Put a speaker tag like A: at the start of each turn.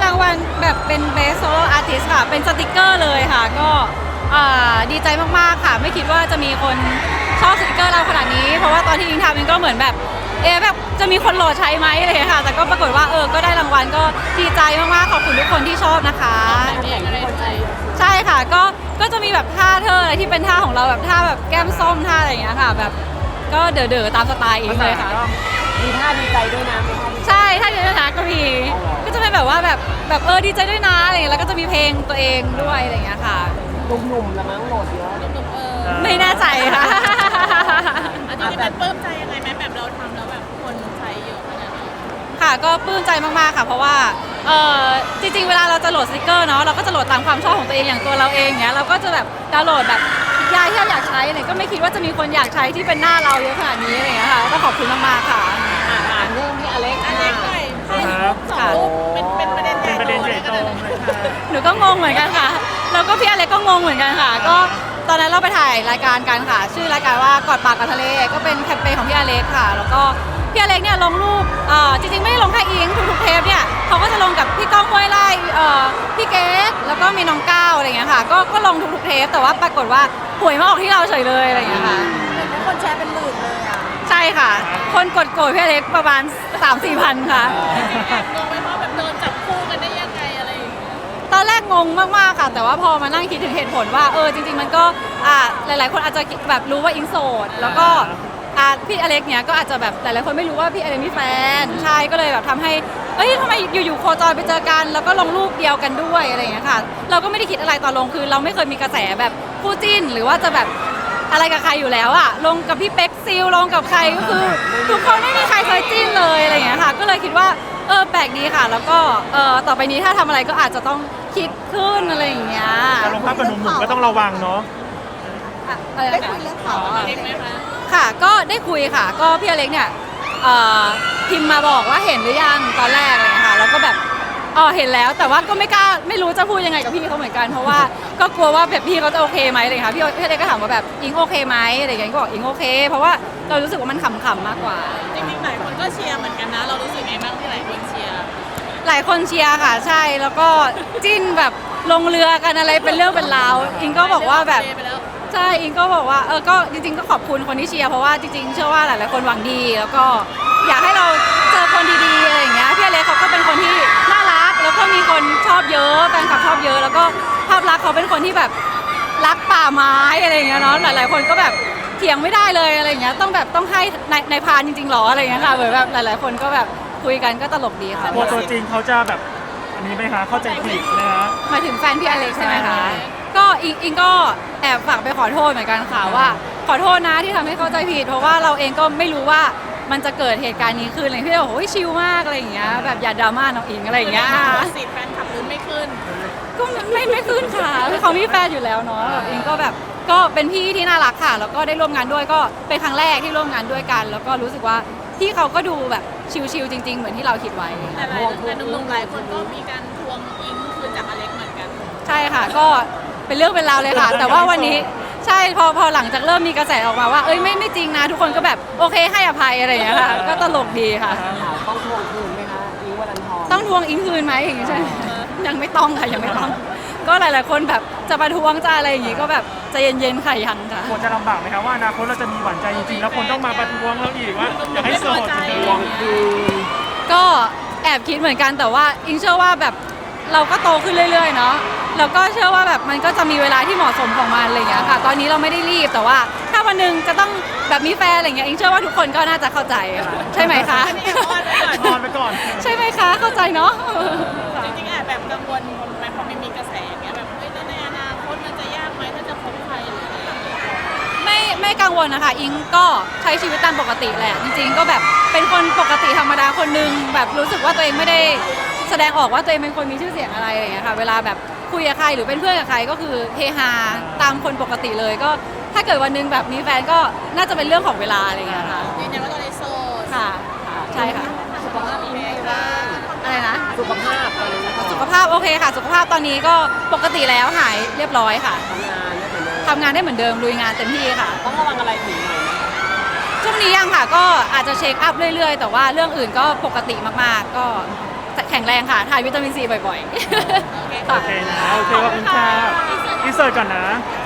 A: างวัลแบบเป็น Best Solo Artist ค่ะเป็นสติกเกอร์เลยค่ะก็ดีใจมากๆค่ะไม่คิดว่าจะมีคนชอบสติกเกอร์เราขนาดนี้เพราะว่าตอนที่ยิงทำมันก็เหมือนแบบแบบจะมีคนโหลดใช้ไหมอะไรอย่างเงี้ยค่ะแต่ก็ปรากฏว่าก็ได้รางวัลก็ดีใจมากๆขอบคุณทุกคนที่ชอบนะคะใช่ค่ะก็จะมีแบบท่าเธออะไรที่เป็นท่าของเราแบบท่าแบบแก้มส้มท่าอะไรอย่างเงี้ยค่ะแบบก็เด๋อๆตามสไตล์อิงเลยค่ะ
B: มีท่าดีใจด้วยนะ
A: ใช่ท่าดีใจนะก็มีก็จะเป็นแบบว่าแบบดีใจด้วยนะอะไรอย่างเงี้ยแล้วก็จะมีเพลงตัวเองด้วยอะไรอย่างเงี้ยค่ะ
B: หนุ่มๆละมั้งโหลดเยอะ
A: ไม่แน่ใจค่ะ
C: อันนี้เป็นปลื้มใจยังไงไหมแบบเราทำแล้วแบบคนใช้เยอะขนาดนี้
A: ค่ะก็ปลื้มใจมากๆค่ะเพราะว่าจริงๆเวลาเราจะโหลดสติกเกอร์เนาะเราก็จะโหลดตามความชอบของตัวเองอย่างตัวเราเองเนี้ยเราก็จะแบบดาวน์โหลดแบบยายที่เราอยากใช้เนี่ยก็ไม่คิดว่าจะมีคนอยากใช้ที่เป็นหน้าเราเยอะขนาดนี้อะไรอย่างเงี้ยค่ะก็ขอบคุณมากๆค่ะ
B: เรื่องพี่อเล็ก
C: หน่อยสองรูปเป็นประเด็นใหญ่โตเลยค่ะ
A: หนูก็งงเหมือนกันค่ะแล้วก็พี่อเล็กก็งงเหมือนกันค่ะก็ตอนนั้นเราไปถ่ายรายการกันค่ะชื่อรายการว่ากอดปากกับทะเลก็เป็นแคมเปญของพี่อเล็กค่ะแล้วก็พี่อเล็กเนี่ยลงรูปจริงๆไม่ได้ลงแค่อิงทุกๆเทปเนี่ยเขาก็จะลงกับพี่ก้องห้วยไร่พี่เกดแล้วก็มีน้องก้าวอะไรอย่างเงี้ยค่ะก็ลงทุกๆเทปแต่ว่าปรากฏว่าหวยมาออกที่เราเฉยเลยอะไรอย่างเงี้ยค่ะ
C: คนแชร์เป็นหมื่นเลยอ่ะ
A: ใช่ค่ะคนกดโกรธพี่อเล็กประมาณ 3-4 พันค่ะ
C: แอบงงไหมว่าแบบโดนจับคู่กันได้ยังไงอะไรอย่างเงี้ย
A: ตอนแรกงงมากๆค่ะแต่ว่าพอมานั่งคิดถึงเหตุผลว่าจริงๆมันก็หลายๆคนอาจจะแบบรู้ว่าอิงโสดแล้วก็พี่อเล็กเนี่ยก็อาจจะแบบหลายๆคนไม่รู้ว่าพี่อเล็กมีแฟนใช่ก็เลยแบบทำให้ทำไมอยู่ๆโคจรไปเจอกันแล้วก็ลงรูปเดียวกันด้วยอะไรอย่างเงี้ยค่ะเราก็ไม่ได้คิดอะไรตอนลงคือเราไม่เคยมีกระแสแบบคู่จิ้นหรือว่าจะแบบอะไรกับใครอยู่แล้วลงกับพี่เป๊กซิลลงกับใครก็คือทุกคนไม่มีใครเคยจิ้นเลยอะไรอย่างเงี้ยค่ะก็เลยคิดว่าแปลกดีค่ะแล้วก็ต่อไปนี้ถ้าทำอะไรก็อาจจะต้องคิดขึ้นอะไรอย่างเงี้ย
D: ลงภาพกับหนุ่มๆก็ต้องระวังเนาะ
A: ได้คุยเรื่องข่าว
C: เล็กไหมคะ
A: ค่ะก็ได้คุยค่ะก็พี่อเล็กเนี่ยพิมพ์มาบอกว่าเห็นหรือยังตอนแรกอะไรอย่างเงี้ยค่ะแล้วก็แบบเห็นแล้วแต่ว่าก็ไม่รู้จะพูดยังไงกับพี่เขาเหมือนกันเพราะว่าก็กลัวว่าแบบพี่เขาจะโอเคไหมอะไรค่ะพี่อเล็กก็ถามว่าแบบอิงโอเคไหมอะไรอย่างเงี้ยก็บอกอิงโอเคเพราะว่าเรารู้สึกว่ามันขำๆมากกว่า
C: จริงๆหลายคนก็เชียร์เหมือนกันนะเรารู้สึกไงบ้างที่หลายคนเชียร์
A: หลายคนเชียร์ค่ะใช่แล้วก็จิ้นแบบลงเรือกันอะไรเป็นเรื่องเป็นราวอิงก็บอกว่าแบบใช่อิงก็บอกว่าก็จริงๆก็ขอบคุณคนที่เชียร์เพราะว่าจริงๆเชื่อว่าหลายๆคนหวังดีแล้วก็อยากให้เราเจอคนดีๆอะไรอย่างเงี้ยพี่อเล็กเขาก็เป็นคนที่น่ารักแล้วก็มีคนชอบเยอะแฟนคลับชอบเยอะแล้วก็ภาพลักษณ์เขาเป็นคนที่แบบรักป่าไม้อะไรอย่างเงี้ยเนาะหลายๆคนก็แบบเถียงไม่ได้เลยอะไรอย่างเงี้ยต้องให้ในพานจริงๆหรออะไรอย่างเงี้ยค่ะเหมือนแบบหลายๆคนก็แบบคุยกันก็ตลกดีค่ะ
D: ตัวจริงเขาจะแบบอันนี้ไหมคะเข้าใจผิดนะฮะ
A: หมายถึงแฟนพี่อเล็กใช่ไหมคะก็อิงก็แอบฝากไปขอโทษเหมือนกันค่ะว่าขอโทษนะที่ทำให้เข้าใจผิดเพราะว่าเราเองก็ไม่รู้ว่ามันจะเกิดเหตุการณ์นี้ขึ้นอะไรพี่เราบอกโอ้ยชิลมากอะไรอย่างเงี้ยแบบอย่าดราม่าน้องอิงอะไรอย่างเงี้ย
C: สิแฟนขับลุ้นไม่ขึ้น
A: ก็ไม่ขึ้นค่ะคือเขามีแฟนอยู่แล้วเนาะแบบอิงก็แบบก็เป็นพี่ที่น่ารักค่ะแล้วก็ได้ร่วมงานด้วยก็เป็นครั้งแรกที่ร่วมงานด้วยกันแล้วก็รู้สึกว่าพี่เขาก็ดูแบบชิลๆจริงๆเหมือนที่เราคิดไว้
C: แต่หนุ่มๆหลายคนก็มีการทวงอิงคืนจากอเล็กเหมือนกัน
A: ใช่ค่ะก็เป็นเรื่องเป็นราวเลยค่ะแต่ว่าวันนี้ใช่พอหลังจากเริ่มมีกระแสออกมาว่าไม่จริงนะทุกคนก็แบบโอเคให้อภัยอะไรอย่างเงี้ยค่ะก็ตลกดีค่ะ
B: ต้องทวงคืนไหมคะอิงวรันทร
A: ต้องทวงอิงคืนไหมอย่างงี้ใช่ยังไม่ต้องค่ะยังไม่ต้องก็หลายๆคนแบบจะประท้วงจะอะไรอย่างงี้ก็แบบใจเย็นๆค่ะยังค่ะ
D: ควรจะลำบากไหมคะว่าอนาคตเราจะมีหวานใจจริงๆแล้วคนต้องมาประท้วงเราอีกว่าอยากให้โสดจริง
A: ๆก็แอบคิดเหมือนกันแต่ว่าอิงเชื่อว่าแบบเราก็โตขึ้นเรื่อยๆเนาะแล้วก็เชื่อว่าแบบมันก็จะมีเวลาที่เหมาะสมของมันอะไรอย่างเงี้ยค่ะตอนนี้เราไม่ได้รีบแต่ว่าถ้าวันหนึ่งจะต้องแบบมีแฟนอะไรอย่างเงี้ยอิงเชื่อว่าทุกคนก็น่าจะเข้าใจค่ะใช่ไหมคะ
D: นอนไปก่อน
A: ใช่ไหมคะเข้าใจเนาะ
C: จริงๆแอบแบบกังวลไหมพอไม่มีกระแสอย่างเงี้ยแบบในอนาคตมันจะยากไหมถ้าจะคบใครหรืออะไร
A: ไม่กังวลนะคะอิงก็ใช้ชีวิตตามปกติแหละจริงๆก็แบบเป็นคนปกติธรรมดาคนนึงแบบรู้สึกว่าตัวเองไม่ได้แสดงออกว่าตัวเองเป็นคนมีชื่อเสียงอะไรอย่างเงี้ยค่ะเวลาแบบคุยกับใครหรือเป็นเพื่อนกับใครก็คือเฮฮาตามคนปกติเลยก็ถ้าเกิดวันนึงแบบมีแฟนก็น่าจะเป็นเรื่องของเวลาอะไรอย่างเงี้ยค่ะ
C: ยืนยันว่าตอนนี้โสด
A: ค่ะใช่ค่ะ
B: สุขภาพอิงไงบ้าง
A: อะไรนะ
B: สุขภาพตอนนี้
A: สุขภาพโอเคค่ะสุขภาพตอนนี้ก็ปกติแล้วหายเรียบร้อยค่ะทำงานได้เหมือนเดิมลุยงานเต็มที่ค่ะ
B: ต้องระวังอะไรถึงหน่อยไหม
A: ช่วงนี้ยังค่ะก็อาจจะเช็คอัพเรื่อยๆแต่ว่าเรื่องอื่นก็ปกติมากๆก็แข็งแรงค่ะทานวิตามินซีบ่อยๆค่ะ
D: โอเคนะโอเคขอบคุณค่ะอินเสิร์ตก่อนนะ
C: ค